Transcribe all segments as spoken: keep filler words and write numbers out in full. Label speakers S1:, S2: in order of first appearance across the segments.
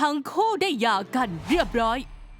S1: ทั้งคู่ได้หย่ากันเรียบร้อย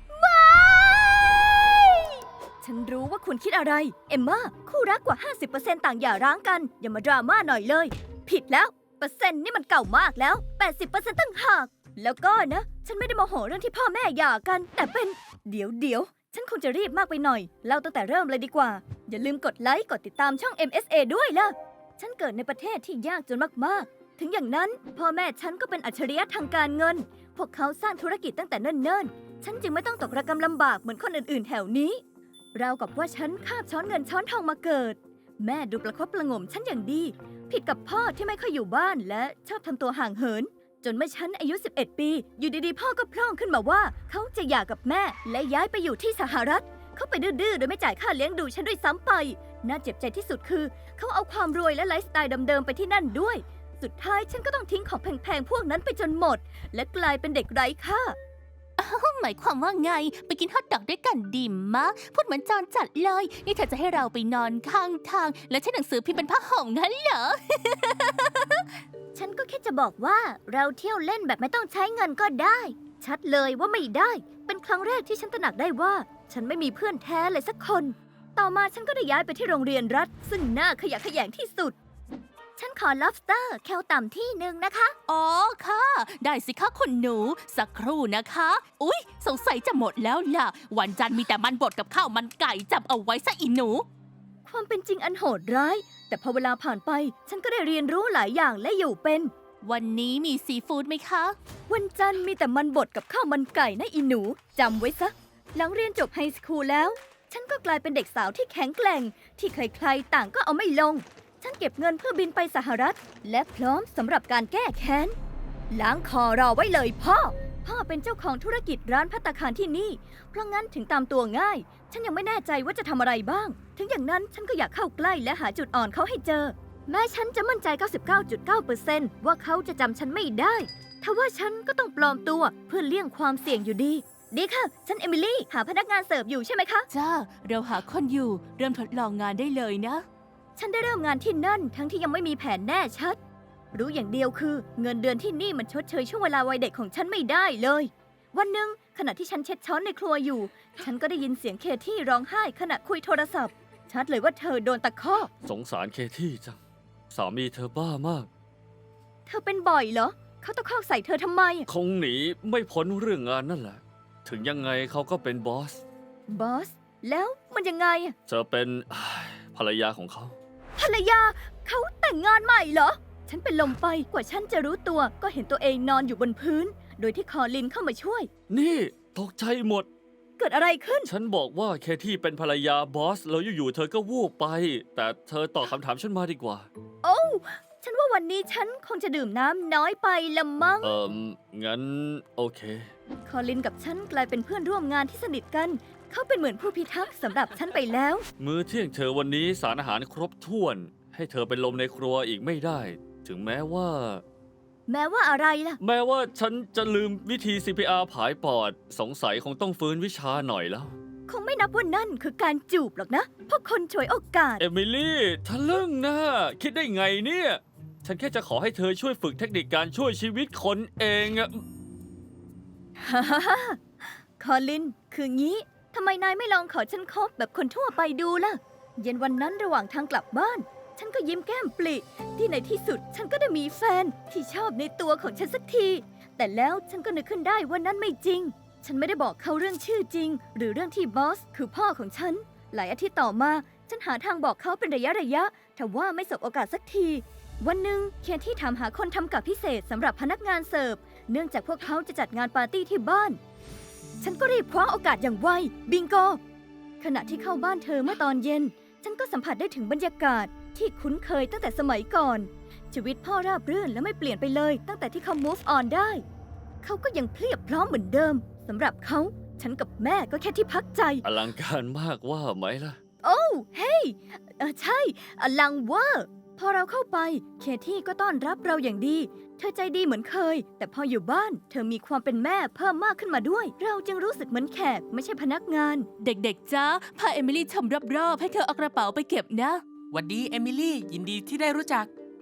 S2: ฉันรู้ว่าคุณคิดอะไร เอมม่าคู่รักกว่า ห้าสิบเปอร์เซ็นต์ ต่างหย่าร้างกัน อย่ามาดราม่าหน่อยเลย ผิดแล้ว เปอร์เซ็นต์นี่มันเก่ามากแล้ว แปดสิบเปอร์เซ็นต์ ตั้งหาก แล้วก็นะ ฉันไม่ได้โมโหเรื่องที่พ่อแม่หย่ากัน แต่เป็น เดี๋ยวเดี๋ยวฉันคงจะรีบมากไปหน่อยเล่าตั้งแต่เริ่มเลยดีกว่า อย่าลืมกดไลค์ กดติดตามช่อง เอ็ม เอส เอ ด้วยล่ะ ฉันเกิดในประเทศที่ยากจนมากๆ ถึงอย่างนั้นพ่อแม่ฉันก็เป็นอัจฉริยะทางการเงิน พวกเขาสร้างธุรกิจตั้งแต่เนิ่นๆ ฉันจึงไม่ต้องตกระกำลำบากเหมือนคนอื่นๆ แถวนี้ราวกับว่าฉันคาบช้อนเงินช้อนทองมาเกิด แม่ดูประคบประหงมฉันอย่างดี ผิดกับพ่อที่ไม่ค่อยอยู่บ้านและชอบทำตัวห่างเหิน จนเมื่อฉันอายุ สิบเอ็ด ปี อยู่ดีๆ พ่อก็พร่องขึ้นมาว่าเขาจะหย่ากับแม่และย้ายไปอยู่ที่สหรัฐ เขาไปดื้อๆ โดยไม่จ่ายค่าเลี้ยงดูฉันด้วยซ้ำไป น่าเจ็บใจที่สุดคือเขาเอาความรวยและไลฟ์สไตล์เดิมๆ ไปที่นั่นด้วย สุดท้ายฉันก็ต้องทิ้งของแพงๆ พวกนั้นไปจนหมด และกลายเป็นเด็กไร้ค่า
S1: หมายความว่าไงไปกินฮอทดอกด้วยกันดิมมะพูดเหมือนจอนจัดเลยนี่เธอจะให้เราไปนอนข้างทางและใช้หนังสือพิมพ์เป็นผ้าห่มงั้นเหรอ
S2: ฉันก็แค่จะบอกว่าเราเที่ยวเล่นแบบไม่ต้องใช้เงินก็ได้ ชัดเลยว่าไม่ได้ เป็นครั้งแรกที่ฉันตระหนักได้ว่า ฉันไม่มีเพื่อนแท้เลยสักคน ต่อมาฉันก็ได้ย้ายไปที่โรงเรียนรัฐ ซึ่งน่าขยะแขยงที่สุด ฉันขอ lobster แคลต่ำที่หนึ่งนะคะ
S1: อ๋อค่ะ ได้สิคะคุณหนูสักครู่นะคะ อุ๊ยสงสัยจะหมดแล้วล่ะวันจันทร์มีแต่มันบดกับข้าวมันไก่จำเอาไว้ซะอีหนู
S2: ความเป็นจริงอันโหดร้ายแต่พอเวลาผ่านไปฉันก็ได้เรียนรู้หลายอย่างและอยู่เป็น
S1: วันนี้มีซีฟู้ดไหมคะ
S2: วันจันทร์มีแต่มันบดกับข้าวมันไก่นะอีหนูจำไว้ซะหลังเรียนจบไฮสคูลแล้วฉันก็กลายเป็นเด็กสาวที่แข็งแกร่งที่ใครๆต่างก็เอาไม่ลงฉันเก็บเงินเพื่อบินไปสหรัฐและพร้อมสำหรับการแก้แค้นล้างคอรอไว้เลยพ่อพ่อเป็นเจ้าของธุรกิจร้านภัตตาคารที่นี่เพราะงั้นถึงตามตัวง่ายฉันยังไม่แน่ใจว่าจะทำอะไรบ้างถึงอย่างนั้นฉันก็อยากเข้าใกล้และหาจุดอ่อนเขาให้เจอแม้ฉันจะมั่นใจ เก้าสิบเก้าจุดเก้าเปอร์เซ็นต์ ว่าเขาจะจำฉันไม่ได้ทว่าฉันก็ต้องปลอมตัวเพื่อเลี่ยงความเสี่ยงอยู่ดีดีค่ะฉันเอมิลี่หาพนักงานเสิร์ฟอยู่ใช่ไหมคะ
S1: จ้าเราหาคนอยู่เริ่มทดลองงานได้เลยนะ
S2: ฉันได้เริ่มงานที่นั่นทั้งที่ยังไม่มีแผนแน่ชัดรู้อย่างเดียวคือเงินเดือนที่นี่มันชดเชยช่วงเวลาวัยเด็กของฉันไม่ได้เลยวันหนึ่งขณะที่ฉันเช็ดช้อนในครัวอยู่ฉันก็ได้ยินเสียงเคที่ร้องไห้ขณะคุยโทรศัพท์ชัดเลยว่าเธอโดนตะคอก
S3: สงสารเคที่จังสามีเธอบ้ามาก
S2: เธอเป็นบ่อยเหรอเขาตะคอกใส่เธอทำไม
S3: คงหนีไม่พ้นเรื่องงานนั่นแหละถึงยังไงเขาก็เป็นบอส
S2: บอสแล้วมันยังไง
S3: เธอเป็นภรรยาของเขา
S2: ภรรยาเขาแต่งงานใหม่เหรอฉันเป็นลมไปกว่าฉันจะรู้ตัวก็เห็นตัวเองนอนอยู่บนพื้นโดยที่คอลินเข้ามาช่วย
S3: นี่ตกใจหมด
S2: เกิดอะไรขึ้น
S3: ฉันบอกว่าเคที่เป็นภรรยาบอสแล้วอยู่ๆเธอก็วูบไปแต่เธอตอบคำถามฉันมาดีกว่า
S2: โอ้ฉันว่าวันนี้ฉันคงจะดื่มน้ำน้อยไปละมั้ง
S3: เอ่องั้นโอเค
S2: คอลินกับฉันกลายเป็นเพื่อนร่วมงานที่สนิทกันเขาเป็นเหมือนผู้พิทักษ์สำหรับฉันไปแล้ว
S3: มื้อเที่ยงเธอวันนี้สารอาหารครบถ้วนให้เธอเป็นลมในครัวอีกไม่ได้ถึงแม้ว่า
S2: แม้ว่าอะไรล่ะ
S3: แม้ว่าฉันจะลืมวิธี ซี พี อาร์ ผายปอดสงสัยคงต้องฟื้นวิชาหน่อยแล้ว
S2: คงไม่นับว่านั่นคือการจูบหรอกนะเพราะคนฉวยโอกาส
S3: เอมิลี่ทะลึ่งนะคิดได้ไงเนี่ยฉันแค่จะขอให้เธอช่วยฝึกเทคนิคการช่วยชีวิตคนเองอะ
S2: ฮ่าฮ่าคอลินคืองี้ทำไมนายไม่ลองขอฉันคบแบบคนทั่วไปดูล่ะเย็นวันนั้นระหว่างทางกลับบ้านฉันก็ยิ้มแก้มปลิที่ในที่สุดฉันก็ได้มีแฟนที่ชอบในตัวของฉันสักทีแต่แล้วฉันก็นึกขึ้นได้ว่านั่นไม่จริงฉันไม่ได้บอกเขาเรื่องชื่อจริงหรือเรื่องที่บอสคือพ่อของฉันหลายอาทิตย์ต่อมาฉันหาทางบอกเขาเป็นระยะระยะแต่ว่าไม่สบโอกาสสักทีวันหนึ่งเคนที่ถามหาคนทำกับพิเศษสำหรับพนักงานเสิร์ฟเนื่องจากพวกเขาจะจัดงานปาร์ตี้ที่บ้านฉันก็รีบคว้าโอกาสอย่างไวบิงโกขณะที่เข้าบ้านเธอเมื่อตอนเย็นฉันก็สัมผัสได้ถึงบรรยากาศที่คุ้นเคยตั้งแต่สมัยก่อนชีวิตพ่อราบรื่นและไม่เปลี่ยนไปเลยตั้งแต่ที่เขา move on ได้เขาก็ยังเพลียบพร้อมเหมือนเดิมสำหรับเขาฉันกับแม่ก็แค่ที่พักใจ
S3: อลังการมากว่าไหมล่ะ
S2: โอ้เฮ้ยเออใช่อลังเวอร์พอเราเข้าไปเคที่ก็ต้อนรับเราอย่างดีเธอใจดีเหมือนเคยแต่พออยู่บ้านเธอมีความเป็นแม่เพิ่มมากขึ้นมาด้วยเราจึงรู้สึกเหมือนแขกไม่ใช่พนักงาน
S1: เด็กๆจ้าพาเอมิลี่ชมรอบๆให้เธอเอากระเป๋าไปเก็บนะ
S4: หวัดดีเอมิลี่ยินดีที่ได้รู้จัก
S2: เออ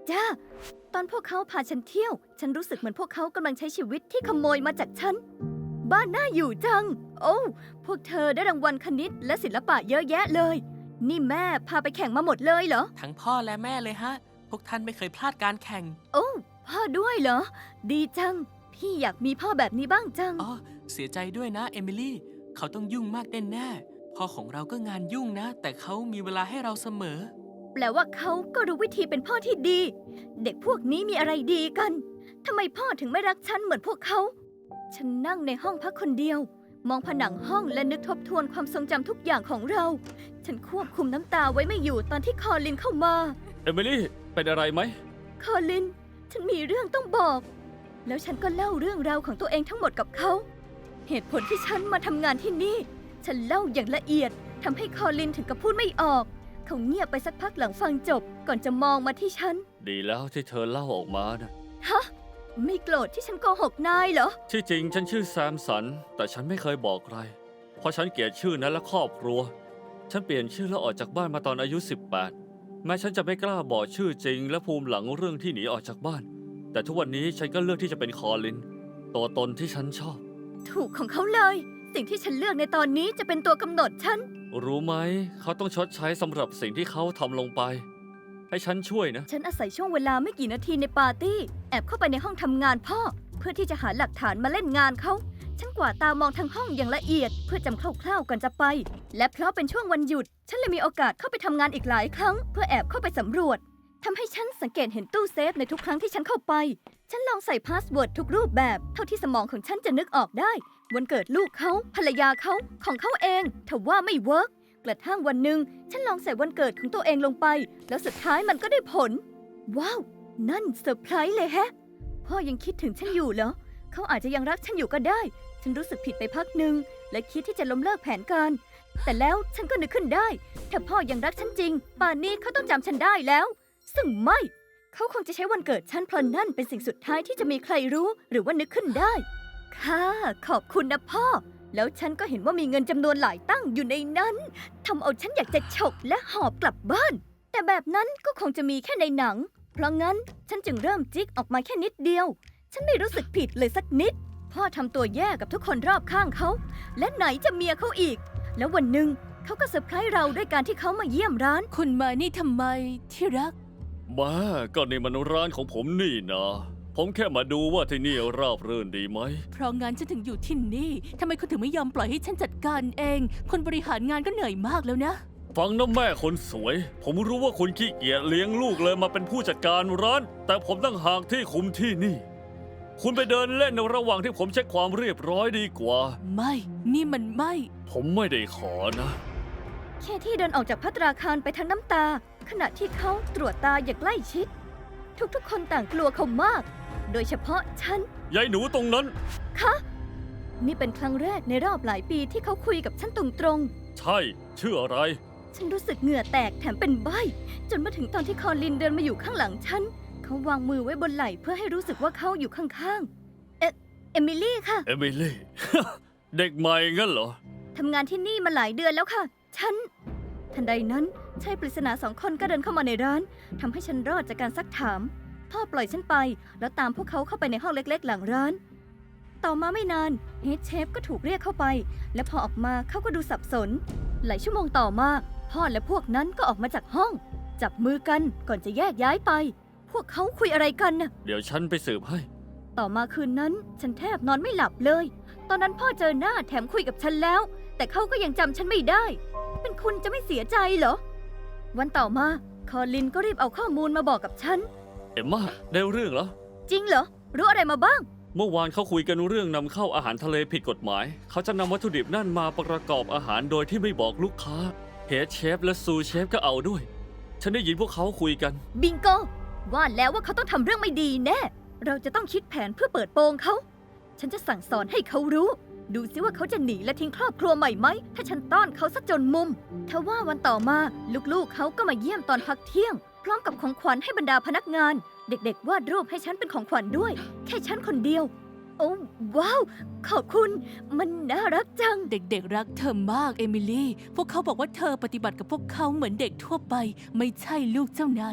S2: จ้าตอนพวกเขาพาฉันเที่ยว ฉันรู้สึกเหมือนพวกเขากำลังใช้ชีวิตที่ขโมยมาจากฉัน บ้านน่าอยู่จัง โอ้พวกเธอได้รางวัลคณิตและศิลปะเยอะแยะเลย นี่แม่พาไปแข่งมาหมดเลยเหรอ
S4: ทั้งพ่อและแม่เลยฮะ พวกท่านไม่เคยพลาดการแข่ง
S2: โอ้พ่อด้วยเหรอ ดีจัง พี่อยากมีพ่อแบบนี้บ้างจัง
S4: อ๋อ เสียใจด้วยนะเอมิลี่ เขาต้องยุ่งมากแน่ๆพ่อของเราก็งานยุ่งนะ แต่เขามีเวลาให้เราเสมอ
S2: แปลว่าเขาก็รู้วิธีเป็นพ่อที่ดี เด็กพวกนี้มีอะไรดีกันทำไมพ่อถึงไม่รักฉันเหมือนพวกเขา ฉันนั่งในห้องพักคนเดียว มองผนังห้องและนึกทบทวนความทรงจำทุกอย่างของเรา ฉันควบคุมน้ำตาไว้ไม่อยู่ตอนที่คอลินเข้ามา
S3: เอมิลี่ เป็นอะไรไหม
S2: คอลิน ฉันมีเรื่องต้องบอก แล้วฉันก็เล่าเรื่องราวของตัวเองทั้งหมดกับเขา เหตุผลที่ฉันมาทำงานที่นี่ ฉันเล่าอย่างละเอียดทำให้คอลินถึงกับพูดไม่ออก เขาเงียบไปสักพักหลังฟังจบ ก่อนจะมองมาที่ฉัน
S3: ดีแล้วที่เธอเล่าออกมานะ
S2: ฮะ ไม่โกรธที่ฉันโกหกนายเหรอ
S3: ที่จริงฉันชื่อแซมสัน แต่ฉันไม่เคยบอกใคร เพราะฉันเกลียดชื่อนั้นและครอบครัว ฉันเปลี่ยนชื่อแล้วออกจากบ้านมาตอนอายุ สิบแปด แม้ฉันจะไม่กล้าบอกชื่อจริง และภูมิหลังเรื่องที่หนีออกจากบ้าน แต่ทุกวันนี้ฉันก็เลือกที่จะเป็นคอลิน ตัวตนที่ฉันชอบ
S2: ถูกของเขาเลย สิ่งที่ฉันเลือกในตอนนี้จะเป็นตัวกำหนดฉัน
S3: รู้ไหม เขาต้องชดใช้สำหรับสิ่งที่เขาทำลงไป ให้ฉันช่วยนะ
S2: ฉันอาศัยช่วงเวลาไม่กี่นาทีในปาร์ตี้ แอบเข้าไปในห้องทำงานพ่อ เพื่อที่จะหาหลักฐานมาเล่นงานเขา ฉันกวาดตามองทั้งห้องอย่างละเอียด เพื่อจำคร่าวๆก่อนจะไป และเพราะเป็นช่วงวันหยุด ฉันเลยมีโอกาสเข้าไปทำงานอีกหลายครั้ง เพื่อแอบเข้าไปสำรวจทำให้ฉันสังเกตเห็นตู้เซฟในทุกครั้งที่ฉันเข้าไป ฉันลองใส่พาสเวิร์ดทุกรูปแบบ เท่าที่สมองของฉันจะนึกออกได้ วันเกิดลูกเขาภรรยาเขาของเขาเองแต่ว่าไม่เวิร์กกระทั่งวันหนึ่งฉันลองใส่วันเกิดของตัวเองลงไป แล้วสุดท้ายมันก็ได้ผล ว้าว นั่นเซอร์ไพรส์เลยแฮะ พ่อยังคิดถึงฉันอยู่เหรอ เขาอาจจะยังรักฉันอยู่ก็ได้ ฉันรู้สึกผิดไปพักหนึ่งและคิดที่จะล้มเลิกแผนการ แต่แล้วฉันก็นึกขึ้นได้ ถ้าพ่อยังรักฉันจริง ป่านนี้เขาต้องจำฉันได้แล้ว ซึ่งไม่ เขาคงจะใช้วันเกิดฉันเพราะนั่นเป็นสิ่งสุดท้ายที่จะมีใครรู้หรือว่านึกขึ้นได้ ค่ะ ขอบคุณนะพ่อ แล้วฉันก็เห็นว่ามีเงินจำนวนหลายตั้งอยู่ในนั้นทำเอาฉันอยากจะฉกและหอบกลับบ้าน แต่แบบนั้นก็คงจะมีแค่ในหนัง เพราะงั้นฉันจึงเริ่มจิกออกมาแค่นิดเดียว ฉันไม่รู้สึกผิดเลยสักนิด พ่อทำตัวแย่กับทุกคนรอบข้างเขา และไหนจะเมียเขาอีก แล้ววันหนึ่งเขาก็เซอร์ไพรส์เราด้วยการที่เขามาเยี่ยมร้าน
S1: คุณมานี่ทำไมที่รัก
S3: มาก็นี่มันร้านของผมนี่นะ ผมแค่มาดูว่าที่นี่ราบรื่นดีไหม
S1: เพราะงั้นฉันถึงอยู่ที่นี่ทำไมคุณถึงไม่ยอมปล่อยให้ฉันจัดการเอง คนบริหารงานก็เหนื่อยมากแล้วนะ
S3: ฟังนะแม่คนสวย ผมรู้ว่าคุณขี้เกียจเลี้ยงลูกเลยมาเป็นผู้จัดการร้าน แต่ผมตั้งหากที่คุมที่นี่ คุณไปเดินเล่นในระหว่างที่ผมเช็คความเรียบร้อยดีกว่า
S1: ไม่ นี่มันไม่
S3: ผมไม่ได้ขอนะ
S2: แค่ที่เดินออกจากภัตราคารไปทั้งน้ำตา ขณะที่เขาตรวจตาอย่างใกล้ชิด ทุกๆ คนต่างกลัวเขามาก โดยเฉพาะฉัน
S3: ยายหนูตรงนั้น
S2: คะ นี่เป็นครั้งแรกในรอบหลายปีที่เขาคุยกับฉันตรง
S3: ใช่ชื่ออะไร
S2: ๆ ฉันรู้สึกเหงื่อแตกแถมเป็นใบ้จนมาถึงตอนที่คอลินเดินมาอยู่ข้างหลังฉัน เขาวางมือไว้บนไหล่เพื่อให้รู้สึกว่าเขาอยู่ข้างๆ เอเอมิลี่ค่ะ
S3: เอมิลี่ เด็กใหม่งั้นเหรอ
S2: ทำงานที่นี่มาหลายเดือนแล้วค่ะ ฉัน ทันใดนั้นชายปริศนาสองคนก็เดินเข้ามาในร้านทำให้ฉันรอดจากการซักถาม พ่อปล่อยฉันไป แล้วตามพวกเขาเข้าไปในห้องเล็กๆ หลังร้าน ต่อมาไม่นานเฮดเชฟก็ถูกเรียกเข้าไป และพอออกมาเขาก็ดูสับสน หลายชั่วโมงต่อมา พ่อและพวกนั้นก็ออกมาจากห้อง จับมือกันก่อนจะแยกย้ายไป พวกเขาคุยอะไรกันน่ะ
S3: เดี๋ยวฉันไปสืบให้
S2: ต่อมาคืนนั้นฉันแทบนอนไม่หลับเลย ตอนนั้นพ่อเจอหน้าแถมคุยกับฉันแล้ว แต่เขาก็ยังจำฉันไม่ได้ เป็นคุณจะไม่เสียใจเหรอ วันต่อมาคอลินก็รีบเอาข้อมูลมาบอกกับฉัน
S3: เอ็มม่าได้เรื่องเหรอ
S2: จริงเหรอ รู้อะไรมาบ้าง
S3: เมื่อวานเขาคุยกันเรื่องนำเข้าอาหารทะเลผิดกฎหมาย เขาจะนำวัตถุดิบนั่นมาประกอบอาหารโดยที่ไม่บอกลูกค้าเฮดเชฟและซูเชฟก็เอาด้วย ฉันได้ยินพวกเขาคุยกัน
S2: บิงโก ว่าแล้วว่าเขาต้องทำเรื่องไม่ดีแน่ เราจะต้องคิดแผนเพื่อเปิดโปงเขา ฉันจะสั่งสอนให้เขารู้ ดูซิว่าเขาจะหนีและทิ้งครอบครัวใหม่ไหม ถ้าฉันต้อนเขาซะจนมุมทว่าวันต่อมาลูกๆเขาก็มาเยี่ยมตอนพักเที่ยง พร้อมกับของขวัญให้บรรดาพนักงาน เด็กๆวาดรูปให้ฉันเป็นของขวัญด้วย แค่ฉันคนเดียว โอ้ว้าว ขอบคุณ มันน่ารักจัง
S1: เด็กๆรักเธอมากเอมิลี่ พวกเขาบอกว่าเธอปฏิบัติกับพวกเขาเหมือนเด็กทั่วไป ไม่ใช่ลูกเจ้านาย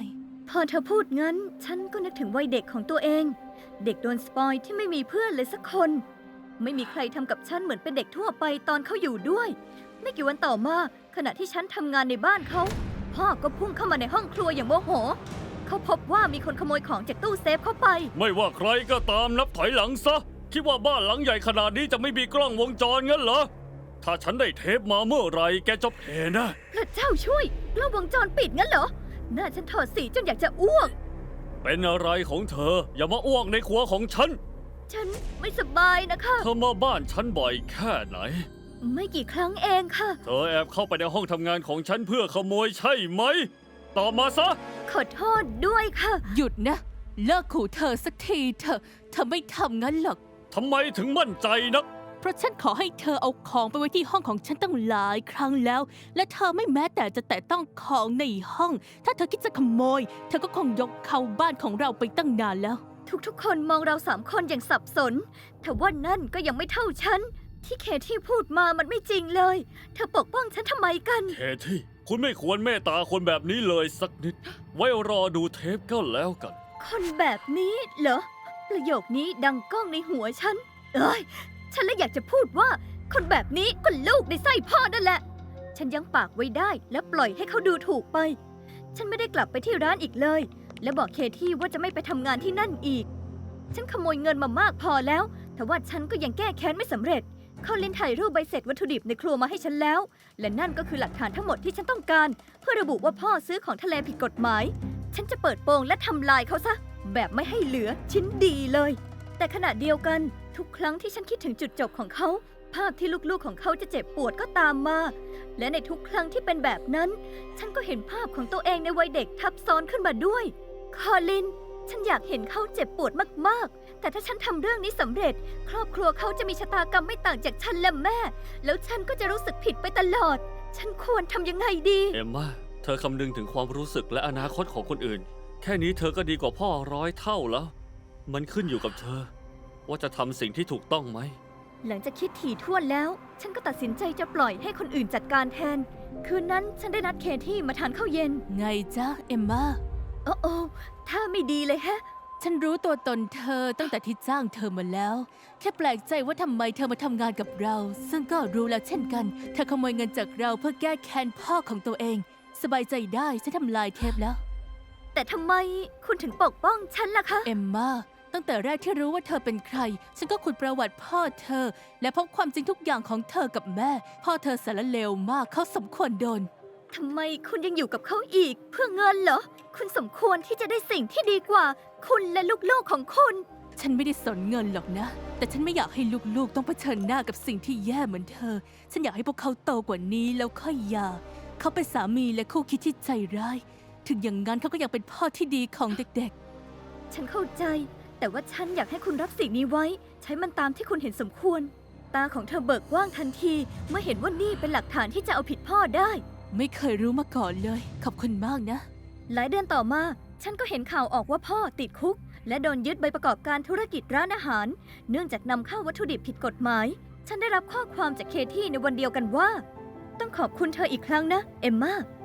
S2: พอเธอพูดงั้น ฉันก็นึกถึงวัยเด็กของตัวเอง เด็กโดนสปอยที่ไม่มีเพื่อนเลยสักคน ไม่มีใครทำกับฉันเหมือนเป็นเด็กทั่วไปตอนเขาอยู่ด้วย ไม่กี่วันต่อมาขณะที่ฉันทำงานในบ้านเขา พ่อก็พุ่งเข้ามาในห้องครัวอย่างโมโห เขาพบว่ามีคนขโมยของจากตู้เซฟเข้าไป
S3: ไม่ว่าใครก็ตามนับถอยหลังซะ คิดว่าบ้านหลังใหญ่ขนาดนี้จะไม่มีกล้องวงจรงั้นเหรอ ถ้าฉันได้เทปมาเมื่อไหรแกจะเพนะ
S2: พระเจ้าช่วยกล้องวงจรปิดงั้นเหรอ หน้าฉันถอดสีจนอยากจะอ้วก
S3: เป็นอะไรของเธอ อย่ามาอ้วกในครัวของฉัน
S2: ฉันไม่สบายนะคะ
S3: เธอมาบ้านฉันบ่อยแค่ไหน
S2: ไม่กี่ครั้งเองค่ะ
S3: เธอแอบเข้าไปในห้องทำงานของฉันเพื่อขโมยใช่ไหม ตอบมาซะ
S2: ขอโทษด้วยค่ะ
S1: หยุดนะ เลิกขู่เธอสักทีเถอะเธอไม่ทำงั้นหรอก
S3: ทำไมถึงมั่นใจนัก
S1: เพราะฉันขอให้เธอเอาของไปไว้ที่ห้องของฉันตั้งหลายครั้งแล้ว และเธอไม่แม้แต่จะแตะต้องของในห้อง ถ้าเธอคิดจะขโมย เธอก็คงยกเข้าบ้านของเราไปตั้งนานแล้ว
S2: ทุกๆ คนมองเราสามคนอย่างสับสน แต่ว่านั่นก็ยังไม่เท่าฉัน ที่เคที่พูดมามันไม่จริงเลย เธอปกป้องฉันทำไมกัน
S3: เคที่คุณไม่ควรเมตตาคนแบบนี้เลยสักนิด ไว้รอดูเทปก็แล้วกัน
S2: คนแบบนี้เหรอ ประโยคนี้ดังก้องในหัวฉัน เอ้ย ฉันเลยอยากจะพูดว่า คนแบบนี้ก็ลูกในไส้พ่อนั่นแหละ ฉันยังปากไว้ได้และปล่อยให้เขาดูถูกไป ฉันไม่ได้กลับไปที่ร้านอีกเลย และบอกเคที่ว่าจะไม่ไปทำงานที่นั่นอีก ฉันขโมยเงินมามากพอแล้ว แต่ว่าฉันก็ยังแก้แค้นไม่สำเร็จ เขาลินถ่ายรูปใบเสร็จวัตถุดิบในครัวมาให้ฉันแล้ว และนั่นก็คือหลักฐานทั้งหมดที่ฉันต้องการ เพื่อระบุว่าพ่อซื้อของทะเลผิดกฎหมาย ฉันจะเปิดโปงและทำลายเขาซะ แบบไม่ให้เหลือชิ้นดีเลย แต่ขณะเดียวกันทุกครั้งที่ฉันคิดถึงจุดจบของเขา ภาพที่ลูกๆของเขาจะเจ็บปวดก็ตามมา และในทุกครั้งที่เป็นแบบนั้น ฉันก็เห็นภาพของตัวเองในวัยเด็กทับซ้อนขึ้นมาด้วย คอลิน ฉันอยากเห็นเขาเจ็บปวดมากๆ แต่ถ้าฉันทำเรื่องนี้สำเร็จ ครอบครัวเขาจะมีชะตากรรมไม่ต่างจากฉันและแม่ แล้วฉันก็จะรู้สึกผิดไปตลอด ฉันควรทำยังไงดี
S3: เอมมาเธอคำนึงถึงความรู้สึกและอนาคตของคนอื่น แค่นี้เธอก็ดีกว่าพ่อร้อยเท่าแล้ว มันขึ้นอยู่กับเธอ ว่าจะทำสิ่งที่ถูกต้องไหม
S2: หลังจากคิดถี่ถ้วนแล้ว ฉันก็ตัดสินใจจะปล่อยให้คนอื่นจัดการแทน คืนนั้นฉันได้นัดเคที่มาทานข้าวเย็น
S1: ไงจ๊ะเอมมา
S2: โอ้โอ้ถ้าไม่ดีเลยแฮะ
S1: ฉันรู้ตัวตนเธอตั้งแต่ที่จ้างเธอมาแล้ว แค่แปลกใจว่าทำไมเธอมาทำงานกับเรา ซึ่งก็รู้แล้วเช่นกัน เธอขโมยเงินจากเราเพื่อแก้แค้นพ่อของตัวเอง สบายใจได้ฉันทำลายเทปแล้ว
S2: แต่ทำไมคุณถึงปกป้องฉันล่ะคะ
S1: เอมมาตั้งแต่แรกที่รู้ว่าเธอเป็นใคร ฉันก็ขุดประวัติพ่อเธอ และพบความจริงทุกอย่างของเธอกับแม่ พ่อเธอสารเลวมากเขาสมควรโดน
S2: ทำไมคุณยังอยู่กับเขาอีก เพื่อเงินเหรอ คุณสมควรที่จะได้สิ่งที่ดีกว่า คุณและลูกๆของคุณ
S1: ฉันไม่ได้สนเงินหรอกนะ แต่ฉันไม่อยากให้ลูกๆต้องเผชิญหน้ากับสิ่งที่แย่เหมือนเธอ ฉันอยากให้พวกเขาโตกว่านี้แล้วค่อยหย่าเขาเป็นสามีและคู่คิดที่ใจร้าย ถึงอย่างนั้นเขาก็ยังเป็นพ่อที่ดีของเด็ก
S2: ฉันเข้าใจ แต่ว่าฉันอยากให้คุณรับสิ่งนี้ไว้ ใช้มันตามที่คุณเห็นสมควร ตาของเธอเบิกกว้างทันที เมื่อเห็นว่านี่เป็นหลักฐานที่จะเอาผิดพ่อได้
S1: ๆ ไม่เคยรู้มาก่อนเลย ขอบคุณมากนะ
S2: หลายเดือนต่อมา ฉันก็เห็นข่าวออกว่าพ่อติดคุก และโดนยึดใบประกอบการธุรกิจร้านอาหาร เนื่องจากนำเข้าวัตถุดิบผิดกฎหมาย ฉันได้รับข้อความจากเคที่ในวันเดียวกันว่า ต้องขอบคุณเธออีกครั้งนะ เอมมา